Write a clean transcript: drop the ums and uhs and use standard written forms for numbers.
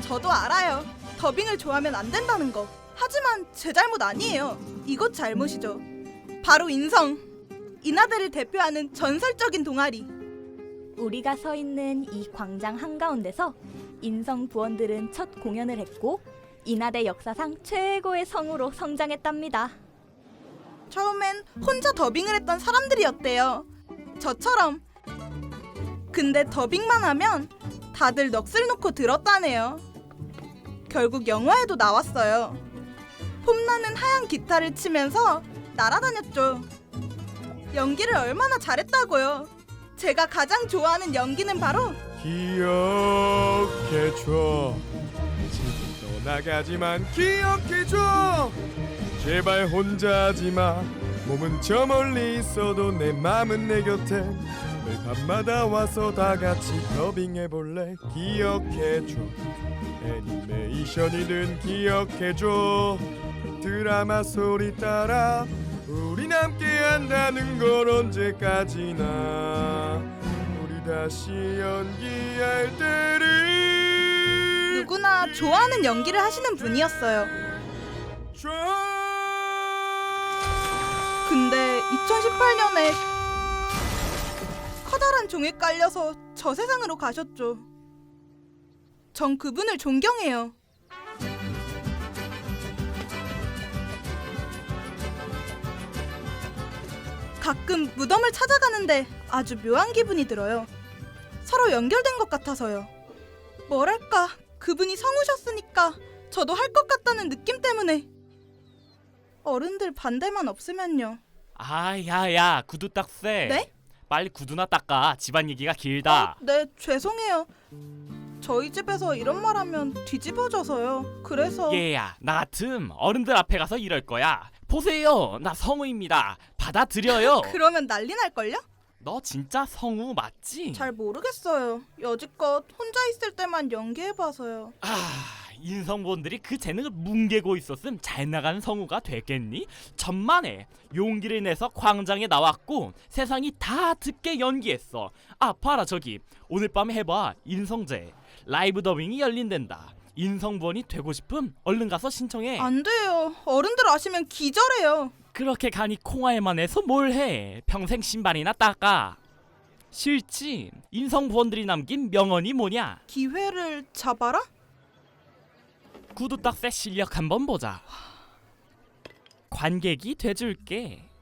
저도 알아요. 더빙을 좋아하면 안 된다는 거. 하지만 제 잘못 아니에요. 이곳 잘못이죠. 바로 인성. 인하대를 대표하는 전설적인 동아리. 우리가 서 있는 이 광장 한가운데서 인성 부원들은 첫 공연을 했고 인하대 역사상 최고의 성우로 성장했답니다. 처음엔 혼자 더빙을 했던 사람들이었대요. 저처럼. 근데 더빙만 하면 다들 넋을 놓고 들었다네요. 결국 영화에도 나왔어요. 폼나는 하얀 기타를 치면서 날아다녔죠. 연기를 얼마나 잘했다고요. 제가 가장 좋아하는 연기는 바로 기억해줘. 지금 떠나가지만 기억해줘. 제발 혼자 하지마. 몸은 저 멀리 있어도 내 맘은 내 곁에. 매일 밤마다 와서 다 같이 더빙해볼래. 기억해줘. 애니메이션이든 기억해줘. 드라마 소리 따라 우린 함께 한다는 걸 언제까지나. 우리 다시 연기할 때를 누구나 좋아하는 연기를 하시는 분이었어요. 근데 2018년에 커다란 종에 깔려서 저 세상으로 가셨죠. 전 그분을 존경해요. 가끔 무덤을 찾아가는데 아주 묘한 기분이 들어요. 서로 연결된 것 같아서요. 뭐랄까, 그분이 성우셨으니까 저도 할 것 같다는 느낌 때문에. 어른들 반대만 없으면요. 야야 구두 닦세. 네? 빨리 구두나 닦아. 집안 얘기가 길다. 네, 죄송해요. 저희 집에서 이런 말 하면 뒤집어져서요. 그래서 얘야 나 같음 어른들 앞에 가서 이럴 거야. 보세요 나 성우입니다. 받아들여요. 그러면 난리 날걸요? 너 진짜 성우 맞지? 잘 모르겠어요. 여지껏 혼자 있을 때만 연기해봐서요. 인성본들이 그 재능을 뭉개고 있었음 잘 나가는 성우가 됐겠니? 천만에 용기를 내서 광장에 나왔고 세상이 다 듣게 연기했어. 봐라 저기 오늘 밤에 해봐. 인성제 라이브 더빙이 열린댄다. 인성본이 되고 싶음 얼른 가서 신청해. 안 돼요. 어른들 아시면 기절해요. 그렇게 가니 콩알만 해서 뭘 해. 평생 신발이나 닦아. 싫지? 인성본들이 남긴 명언이 뭐냐? 기회를 잡아라? 구두 닦새 실력 한번 보자. 관객이 돼줄게.